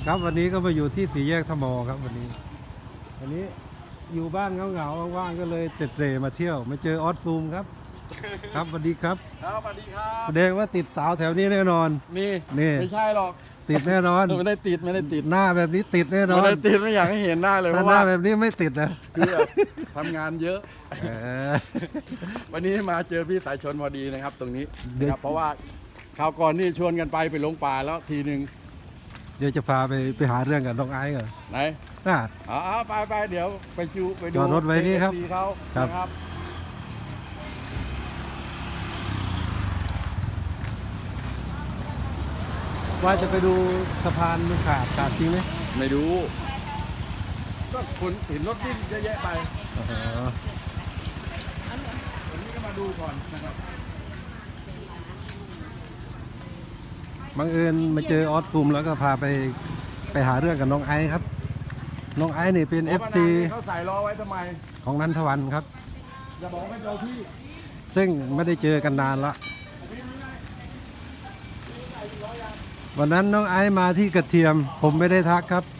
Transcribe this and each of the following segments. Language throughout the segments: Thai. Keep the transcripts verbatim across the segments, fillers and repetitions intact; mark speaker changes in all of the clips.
Speaker 1: ครับวันนี้ก็มาอยู่ที่สี่แยกทมครับวันนี้วันนี้อยู่บ้านเหงาๆว่างๆก็เลยเตร่มาเที่ยวมาเจอออสซูมครับครับสวัสดีครับ
Speaker 2: ครับสวัสดีครับ
Speaker 1: แสดงว่าติดสาวแถวนี้แน่นอน
Speaker 2: มี
Speaker 1: นี่
Speaker 2: ไม่ใช่หรอก
Speaker 1: ติดแน่นอน
Speaker 2: ไม่ได้ติดไม่ได้ติด
Speaker 1: หน้าแบบนี้ติดแน่นอน
Speaker 2: ไม่ได้ติดไม่อยากให้เห็นหน้าเลยเพ
Speaker 1: ถ้า
Speaker 2: ราะ
Speaker 1: หน้า
Speaker 2: ว่า
Speaker 1: แบบนี้ไม่ติดนะ
Speaker 2: คือแบบทำงานเยอะวันนี้มาเจอพี่สายชนพอดีนะครับ ตรงนี้นะครับเพราะว่าคราวก่อนนี่ชวนกันไปไปลงป่าแล้วทีหนึ่ง
Speaker 1: เดี๋ยวจะพาไปไปหาเรื่องกับน้องไอ้เหรอ
Speaker 2: ไหน
Speaker 1: น่า
Speaker 2: อ๋อไปไปเดี๋ยวไปจูไปดู
Speaker 1: จอดรถไว้นี่ครับ
Speaker 2: เขาครับ
Speaker 1: ว่าจะไปดูสะพานมันขาดขาดจริงไหม
Speaker 2: ไม่ดูก็คนเห็นรถดิ้นเยอะแยะไปวันนี้ก็มาดูก่อนนะครับ
Speaker 1: บังเอิญมาเจอออสซูมแล้วก็พาไปไปหาเรื่องกับน้องไอซ์ครับน้องไอซ์นี่เป็น เอฟ ซี
Speaker 2: เขาใส่ล้อไว้ทำไม
Speaker 1: ของนันทวันครับ
Speaker 2: จะบอกไม่เจอพี่
Speaker 1: ซึ่งไม่ได้เจอกันนานละวันนั้นน้องไอซ์มาที่กระเทียมผมไม่ได้ทักครับ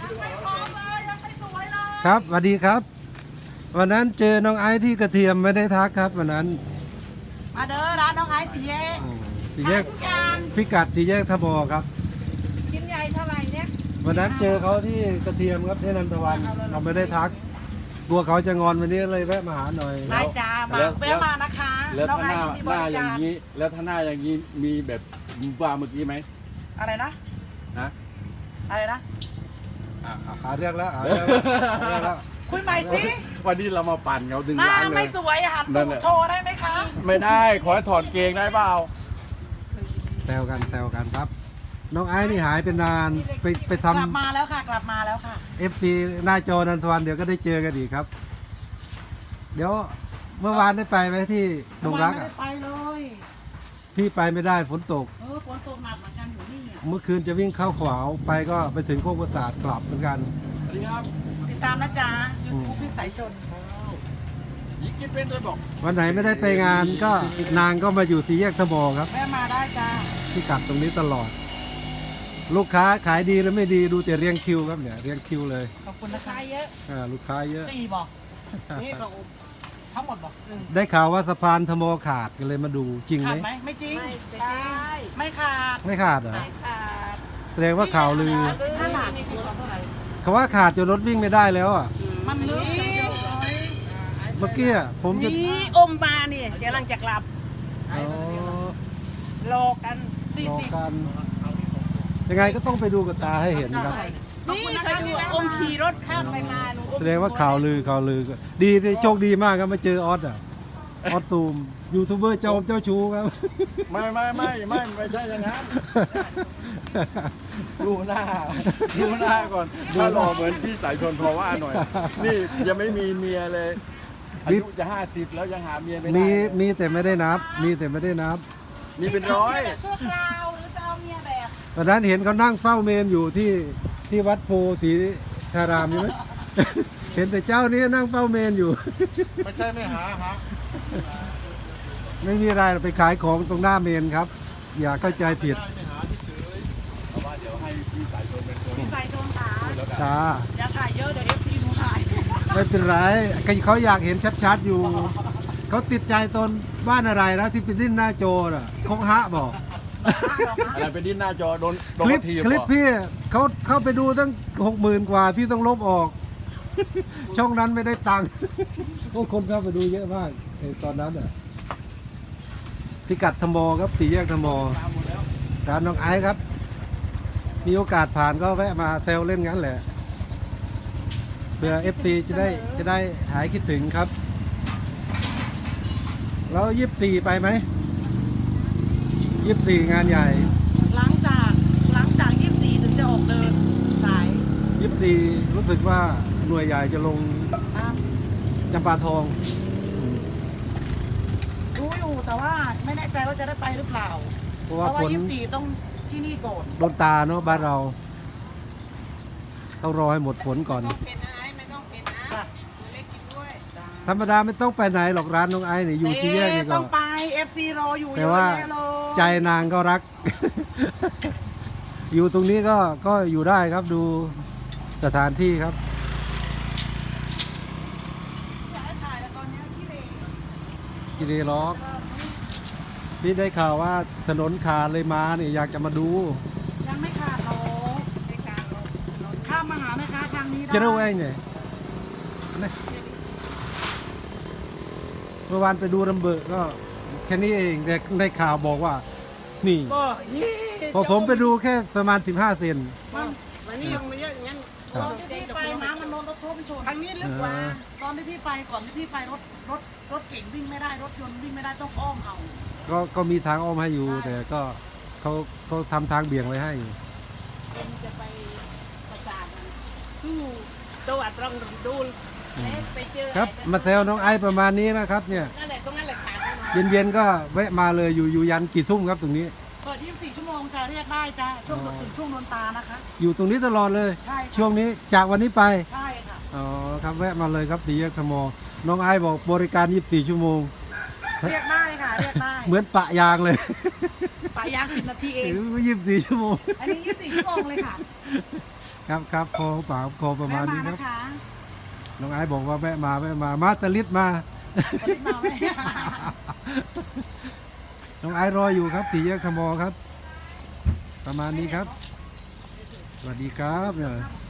Speaker 1: ครับสวัสดีครับวันนั้นเจอน้องไอซ์ที่กระเทียมไม่ได้ทักครับวันนั้น
Speaker 3: มาเด้อร้านน้องไอซ์สี่แยก
Speaker 1: สี่แยกพิกัดสี่แยกทบครับ
Speaker 3: ชิ้นใหญ่เท่าไหร่เนี่ย
Speaker 1: วันนั้นเจอเขาที่กระเทียมครับที่นันทวันเราไม่ได้ทักกลัวเขาจะงอนวันนี้เลยแวะมาหาหน่อย
Speaker 3: ได้จ้ามาแวะมานะคะ
Speaker 2: แล้วถ้าหน้าหน้าอย่างนี้แล้วถ้าหน้าอย่างนี้มีแบบว่าเมื่อกี้ไหม
Speaker 3: อะไรนะ
Speaker 2: นะ
Speaker 3: อะไรนะ
Speaker 1: หาเรื่องแล้วหาเรื่องแล้ว
Speaker 3: คุยใหม่สิ
Speaker 2: วันนี้เรามาปั่นเขาดึง
Speaker 3: ร้า
Speaker 2: นเลย
Speaker 3: ไม่สวยหันตูดโชว์ได้ไหมคะ
Speaker 2: ไม่ได้ขอให้ถอดเกงได้เปล่า
Speaker 1: แซวกันแซวกันครับน้องไอ้นี่หายเป็นนานไปไปทำ
Speaker 3: กลับมาแล้วค่ะกลับมาแล้วค่ะ
Speaker 1: เอฟ ซี หน้าจอนันทวันเดี๋ยวก็ได้เจอกันอีกครับเดี๋ยวเมื่อวานได้ไปไหมที่ดงรักอ่ะ
Speaker 3: ไปเลย
Speaker 1: พี่ไปไม่ได้ฝนตก
Speaker 3: เออฝนตกหนักเหมือนกันอยู่นี่
Speaker 1: เมื่อคืนจะวิ่งเข้าขวาวไปก็ไปถึงโคกประสาทกลับเหมือนกัน
Speaker 2: สวัสดีครับ
Speaker 3: ติดตามนะจ๊ะยูทูบพี่สายชน
Speaker 2: ยิงกินเป็นด้วยบอก
Speaker 1: วันไหนไม่ได้ไปงานก็นางก็มาอยู่สี่แยกทบครับ
Speaker 3: แม่มาได้จ้า
Speaker 1: พี่กัดตรงนี้ตลอดลูกค้าขายดีหรือไม่ดีดูแต่เรียงคิวครับเนี่ยเรียงคิวเลย
Speaker 3: ขอบคุณนะคะเยอะ
Speaker 1: อ่าลูกค้าเยอะ
Speaker 3: สี่บอกนี่สองทั้งหมดบอก
Speaker 1: ได้ข่าวว่าสะพานทโมขาดกันเลยมาดูจริงไหม
Speaker 3: ไม่จริงไม่ขาด
Speaker 1: ไม่ขาดเหรอ
Speaker 3: ไม่ขาด
Speaker 1: แสดงว่าข่าวลือเขาว่าขาดจนรถวิ่งไม่ได้แล้วอ่ะ
Speaker 3: มันลึก
Speaker 1: เมื่อกี้ผม
Speaker 3: จะนี่อมมานี่กำลังจะกลับรอกันสี่สิบ
Speaker 1: ยังไงก็ต้องไปดูกับตาให้เห็นครับ
Speaker 3: นี่เคยดูอมขี่รถข้ามไปมา
Speaker 1: แสดงว่าข่าวลือข่าวลือดีโชคดีมากครับมาเจอออสอ่ะออสซูมยูทูบเบอร์เจ้าเจ้าชู้ครับ
Speaker 2: ไม่ไม่ไม่ไม่ไม่ใช่อย่างนั้นดูหน้าดูหน้าก่อนถ้าหล่อเหมือนพี่สายชนพอว่าหน่อยนี่ยังไม่มีเมียเลยอายุจะห้าสิบแล้วยังหาเมียไม่ได้
Speaker 1: มีมีแต่ไม่ได้นับมีแต่ไม่ได้นับ
Speaker 2: มีเป็นร้อย
Speaker 3: ชั่วคราวหรือจะเอาเมียแบบ
Speaker 1: ตอนนั้นเห็นเขานั่งเฝ้าเมนอยู่ที่ที่วัดโพธิธารามใช่ไหมเห็นแต่เจ้านี้นั่งเฝ้าเมนอยู่
Speaker 2: ไม่ใช่ไม่หาฮะ
Speaker 1: ไม่มีอะไรไปขายของตรงหน้าเมนครับอย่าเข้าใจผิด
Speaker 2: เพราะว่าเดี๋ยวให้พี่สายชนเป็นคน
Speaker 3: พี่สายชนขา
Speaker 1: จ้า
Speaker 3: อย่าถ่ายเยอะเดี๋ยวเอฟซีหนูถ่าย
Speaker 1: ไม่เป็นไรเขาอยากเห็นชัดๆอยู่เขาติดใจตนบ้านอะไรแล้วที่เป็นดิ้นหน้าโจน่ะคงฮะบอก
Speaker 2: อะไรเป็นดิ้นหน้าจอโดน
Speaker 1: คลิปคลิปพี่เขาเข้าไปดูตั้งหกหมื่นกว่าพี่ต้องลบออกช่องนั้นไม่ได้ตังค์พวกคนเข้าไปดูเยอะมากในตอนนั้นอ่ะพิกัดธมครับสี่แยกธมร้านน้องไอซ์ครับมีโอกาสผ่านก็แวะมาเซลเล่นงั้นแหละเพื่อ เอฟ ซี จะได้จะได้หายคิดถึงครับแล้วยี่สิบสี่ไปไหมยี่สิบสี่งานใหญ่
Speaker 3: หลังจากหลังจากยี่สิบสี่ถึงจะออกเดินสาย
Speaker 1: ยี่สิบสี่รู้สึกว่าหน่วยใหญ่จะลงจำปาทอง
Speaker 3: รู้อยู่แต่ว่าไม่แน่ใจว่าจะได้ไปหรือเปล่าเพราะว่ายี่สิบสี่ต้องที่นี่ก่อน
Speaker 1: โดนตาเนาะบ้านเราต้องรอให้หมดฝนก่อนธรรมดาไม่ต้องไปไหนหรอกร้านน้องไอ้เนี่ยอยู่ที่แยกนี่ก็
Speaker 3: ต้องไป เอฟ ซี รออยู่
Speaker 1: แต่ว่าใจนางก็รักอยู่ตรงนี้ก็ก็อยู่ได้ครับดูสถานที่ครับ
Speaker 3: อยากให้ถ่ายแล้วตอนเนี้ยที่เลน
Speaker 1: กิเลล็อกพี่ได้ข่าวว่าถนนขาดเลยมาเนี่ยอยากจะมาดู
Speaker 3: ยังไม่ขาดหรอกไม่ขาดหรอกข้ามมาหาแม่ค้าทางนี้ได้
Speaker 1: จะรู้เองเนี่ยนะเมื่อวานไปดูลำเบิดก็แค่นี้เองแต่ได้ข่าวบอกว่า นี่
Speaker 4: ก็ยี่
Speaker 1: พอผมไปดูแค่ประมาณสิบห้าเซน
Speaker 3: มัน
Speaker 4: วันนี้ยังไม่เยอะอย่างนั้น
Speaker 1: ครั
Speaker 3: ต
Speaker 1: บ
Speaker 3: อนที่พี่ไปน้ำมันโดนรถทัวร์ไปชน
Speaker 4: ทางนี้ลึกกว่า
Speaker 3: ตอนที่พี่ไปก่อนที่พี่ไปรถรถรถเก่งวิ่งไม่ได้รถยนต์วิ่งไม่ได้ต้องอ้อมเอา
Speaker 1: ก็ก็มีทางอ้อมให้อยู่
Speaker 3: ใช่
Speaker 1: แต่ก็เขาเขาทำทางเบี่ยงไว้ให้
Speaker 4: เป็นจะไปประสานมันสู้ตัวตรงดูเอ๊ะไปเจอ
Speaker 1: ครับ
Speaker 4: อะไ
Speaker 1: มาแซวน้องไอซ์ประมาณนี้นะครับเนี่ย
Speaker 4: นั่นแหละตรงนั้นแหละขาดแน่นอน
Speaker 1: เย็นๆก็แวะมาเลยอยู่อยู่ยันกี่ทุ่มครับตรงนี้
Speaker 3: เปิดยี่สิบสี่ชั่วโมงจะเรียกได้จ้าช่วง
Speaker 1: อ๋อ
Speaker 3: ถึงช่วงนนตานะคะ
Speaker 1: อยู่ตรงนี้ตลอดเลย
Speaker 3: ใช่ค่ะ
Speaker 1: ช่วงนี้จากวันนี้ไป
Speaker 3: ใช่ค่ะ
Speaker 1: อ๋อครับแวะมาเลยครับสี่แยกธมน้องไอซ์บอกบริการยี่สิบสี่ชั่วโมง
Speaker 3: เรียกได้ค่ะเรียกได้
Speaker 1: เหมือนปะยางเลย
Speaker 3: ปะยางสิบนาทีเอง
Speaker 1: ยี่สิบสี่ชั่วโมง
Speaker 3: อันนี้ยี่สิบสี่ชั่วโมงเลยค่ะ
Speaker 1: ครับครับพอปากพอประมาณนี้ครับ
Speaker 3: แวะนะคะ
Speaker 1: น้องไอซ์บอกว่าแวะมาแวะมามาตะลิดมา
Speaker 3: ตอนนี้มาไหม
Speaker 1: น้องไอซ์รออยู่ครับสี่แยกธมครับ ประมาณนี้ครับ สวัสดีครับเนี่ย